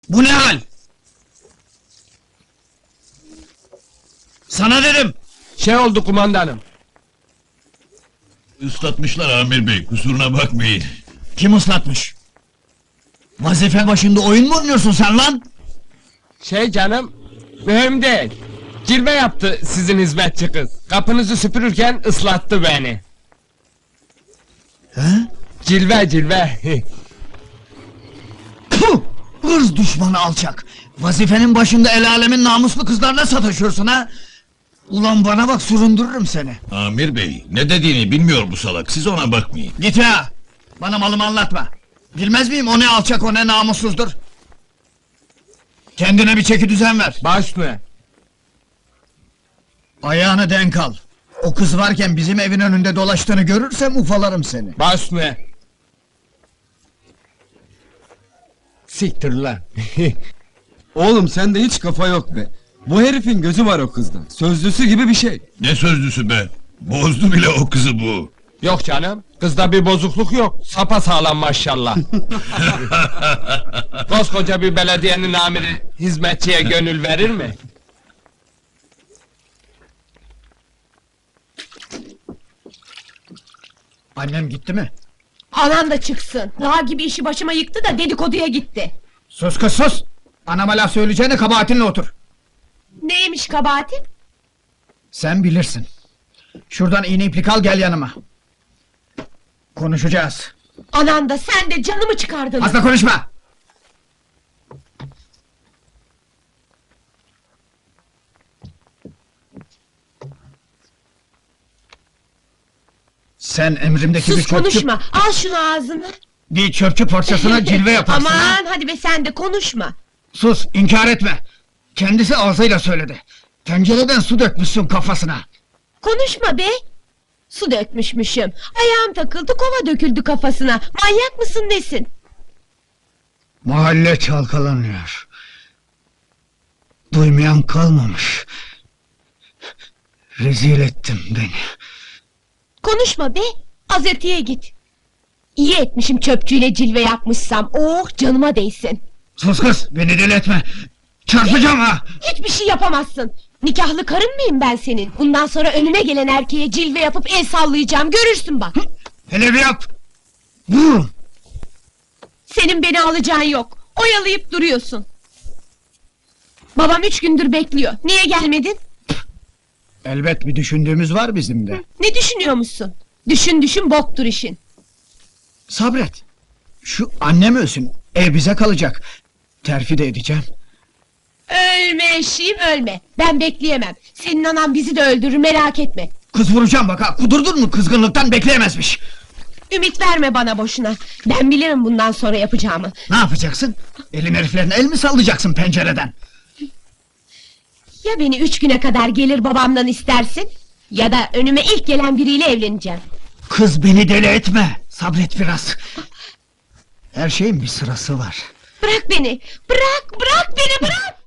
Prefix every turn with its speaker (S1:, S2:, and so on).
S1: Bu ne hal? Sana dedim!
S2: Şey oldu kumandanım.
S3: Islatmışlar Amir Bey, kusuruna bakmayın.
S1: Kim ıslatmış? Vazife başında oyun mu oynuyorsun sen lan?
S2: Şey canım, mühim değil. Cilve yaptı sizin hizmetçi kız. Kapınızı süpürürken ıslattı beni.
S1: He?
S2: Cilve cilve.
S1: Puh! Hırs düşmanı alçak! Vazifenin başında el alemin namuslu kızlarla sataşıyorsun ha? Ulan bana bak, süründürürüm seni!
S3: Amir Bey, ne dediğini bilmiyor bu salak, siz ona bakmayın.
S1: Git ya! Bana malımı anlatma! Bilmez miyim o ne alçak, o ne namussuzdur? Kendine bir çeki düzen ver!
S2: Baş mı?
S1: Ayağını denk al! O kız varken bizim evin önünde dolaştığını görürsem ufalarım seni!
S2: Baş mı? Siktir lan.
S4: Oğlum sende hiç kafa yok be. Bu herifin gözü var o kızda. Sözlüsü gibi bir şey.
S3: Ne sözlüsü be? Bozdu bile o kızı bu.
S2: Yok canım, kızda bir bozukluk yok. Sapasağlam maşallah. Koskoca bir belediyenin amiri hizmetçiye gönül verir mi?
S1: Annem gitti mi?
S5: Anan da çıksın. Dağ gibi işi başıma yıktı da dedikoduya gitti.
S1: Sus kız sus! Anama laf söyleyeceğine kabahatinle otur!
S5: Neymiş kabahatin?
S1: Sen bilirsin. Şuradan iğne iplik al, gel yanıma. Konuşacağız.
S5: Anan da sen de canımı çıkardın.
S1: Fazla konuşma! Sen emrimdeki bir
S5: Sus
S1: çöpçü...
S5: konuşma. Al şunu ağzına.
S1: Bir çöpçü parçasına cilve yaparsın ha!
S5: Aman hadi be sen de konuşma.
S1: Sus, inkar etme! Kendisi ağzıyla söyledi. Tencereden su dökmüşsün kafasına.
S5: Konuşma be. Su dökmüşmüşüm. Ayağım takıldı, kova döküldü kafasına. Manyak mısın nesin?
S1: Mahalle çalkalanıyor. Duymayan kalmamış. Rezil ettin beni.
S5: Konuşma be. Azetiye git. İyi etmişim çöpçüyle cilve yapmışsam. Oh canıma değsin.
S1: Sus kız, beni deli etme! Çarpacağım ha!
S5: Hiçbir şey yapamazsın. Nikahlı karın mıyım ben senin? Bundan sonra önüme gelen erkeğe cilve yapıp el sallayacağım. Görürsün bak.
S1: Hele bir yap! Vururum!
S5: Senin beni alacağın yok. Oyalayıp duruyorsun. Babam 3 gündür bekliyor. Niye gelmedin?
S1: Elbet bir düşündüğümüz var bizim de.
S5: Ne düşünüyormuşsun? Düşün düşün boktur işin.
S1: Sabret! Şu annem ölsün, ev bize kalacak. Terfi de edeceğim.
S5: Ölme eşeğim ölme. Ben bekleyemem. Senin anan bizi de öldürür merak etme.
S1: Kız vuracağım bak ha, kudurdun mu kızgınlıktan bekleyemezmiş.
S5: Ümit verme bana boşuna. Ben bilirim bundan sonra yapacağımı.
S1: Ne yapacaksın? Elin heriflerine el mi sallayacaksın pencereden?
S5: Ya beni 3 güne kadar gelir babamdan istersin... ...ya da önüme ilk gelen biriyle evleneceğim.
S1: Kız beni deli etme, sabret biraz. Her şeyin bir sırası var.
S5: Bırak beni! Bırak! Bırak beni bırak!